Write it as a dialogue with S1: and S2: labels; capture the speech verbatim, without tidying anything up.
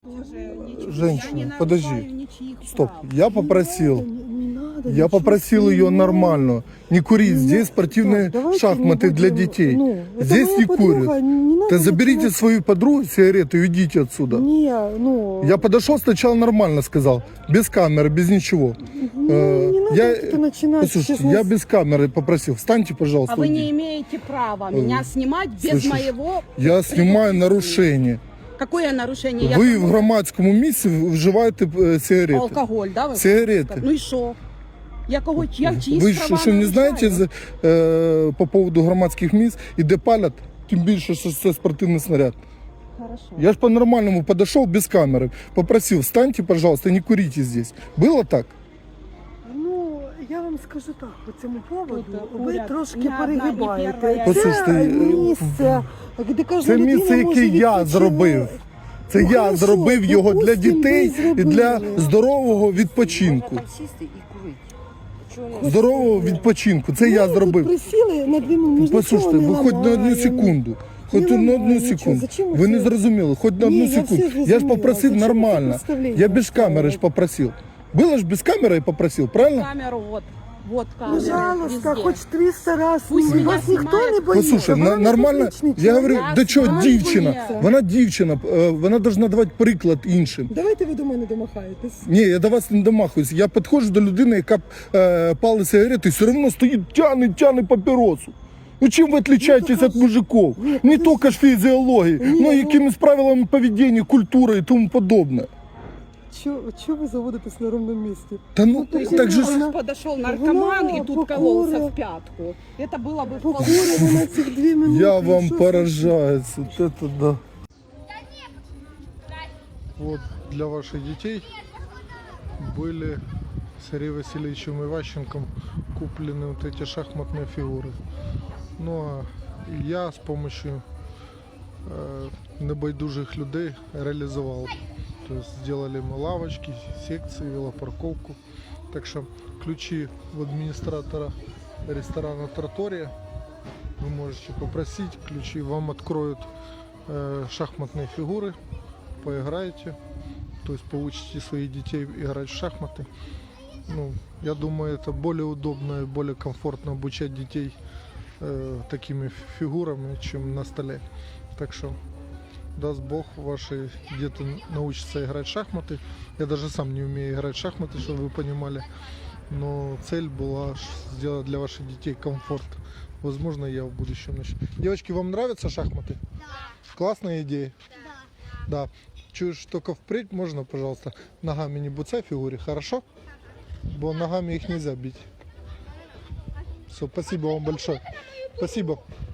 S1: Женщина, подожди, стоп, я попросил, я попросил ее нормально, не курить, здесь спортивные шахматы для детей, здесь не курят. Да заберите свою подругу сигареты и уйдите отсюда. Я подошел сначала нормально сказал, без камеры, без ничего. Я, послушайте, я без камеры попросил, встаньте, пожалуйста.
S2: А вы не имеете права меня снимать без
S1: Слышишь,
S2: моего...
S1: Я снимаю нарушение.
S2: Какое нарушение?
S1: Ви
S2: Я...
S1: в громадському місці вживаєте сигарети.
S2: Алкоголь, да? Ви
S1: Сигарети.
S2: Ну і що? Я кого, я чиїсь
S1: Ви
S2: права
S1: що, що не
S2: нарушаю?
S1: знаєте е, по поводу громадських місць, і де палять, тим більше, що це спортивний снаряд.
S2: Хорошо.
S1: Я ж по-нормальному подошел без камеры, попросил, встаньте, пожалуйста, не курите здесь. Было так?
S3: Ну, я вам скажу так, по цьому поводу,
S2: Тут,
S3: ви
S2: уряд,
S3: трошки
S2: ні одна, ні
S3: перегибаєте.
S2: перша,
S1: Послухайте,
S3: Це
S1: е,
S3: місце, де кожна
S1: Це
S3: людина
S1: місце,
S3: може
S1: яке я
S3: відпочивати.
S1: зробив. Це
S3: Ну,
S1: я
S3: хорошо,
S1: зробив його для
S3: допустим,
S1: дітей
S3: ви
S1: і для
S3: зробили.
S1: здорового відпочинку.
S4: Там сісти і курити.
S1: Здорового відпочинку. Це я
S3: Ну,
S1: зробив.
S3: Тут присіли на дві минути.
S1: Послухайте, ви хоч на одну секунду. Хоч
S3: Не
S1: на одну
S3: ламаю нічого.
S1: секунду.
S3: Зачем
S1: Ви не
S3: це?
S1: зрозуміли, хоч на
S3: Ні,
S1: одну
S3: я все
S1: секунду. Я ж
S3: зрозуміла.
S1: попросив
S3: Зачем ви
S1: нормально.
S3: представлення
S1: Я без камери ж
S3: ставите?
S1: попросив. Было ж без камеры я попросил, правильно?
S2: Камеру, вот. Вот камера.
S3: Пожалуйста,
S2: везде.
S3: хоч триста раз.
S2: Пусть
S3: ну,
S2: меня
S3: вас ніхто
S2: знімають.
S3: не боїться.
S1: Послушай,
S3: Вона
S1: на,
S3: не
S1: нормально,
S3: публічний
S1: я говорю,
S3: чоловік.
S1: да що,
S2: Вона
S1: дівчина,
S2: боїться.
S1: вона дівчина, е, вона должна давати приклад іншим.
S3: Давайте ви до мене домахаєтесь.
S1: Ні, я до вас не домахуюсь, я підходжу до людини, яка е, пали сигарети, і все одно стоїть, тяне, тяне папіросу. Ну чим ви відрізняєтесь
S3: Ну,
S1: від мужиків?
S3: ні,
S1: Не
S3: подожди.
S1: тільки ж фізіології,
S3: Ні,
S1: но
S3: ну-
S1: якимись правилами поведіння, культури і тому подобне.
S3: Чого ви заводитесь на ровному місці?
S1: Та ну,
S3: Ну,
S1: так же ж...
S3: вона-
S2: Подошел наркоман
S3: вона
S2: и тут
S3: покура-
S2: кололся в пятку. Это было бы вполне...
S3: Покурили на цих дві минути.
S1: Я вам
S3: Що
S1: поражаюсь, вот это да. Вот для ваших детей были с Андреем Васильевичем Иващенком куплены вот эти шахматные фигуры. Ну а я с помощью э, небайдужих людей реализовал. То есть сделали мы лавочки, секции, велопарковку. Так что ключи в администратора ресторана Тратория. Вы можете попросить, ключи вам откроют э, шахматные фигуры, поиграете, то есть получите своих детей играть в шахматы. Ну, я думаю, это более удобно и более комфортно обучать детей э, такими фигурами, чем на столе. Так что, даст Бог, ваши дети научатся играть в шахматы. Я даже сам не умею играть в шахматы, чтобы вы понимали. Но цель была сделать для ваших детей комфорт. Возможно, я в будущем начну. Девочки, вам нравятся шахматы? Да. Классная идея? Да. Да. Чуешь, только впредь можно, пожалуйста, ногами не буцай фигуре, хорошо? Бо ногами их нельзя бить. Все, спасибо вам большое. Спасибо.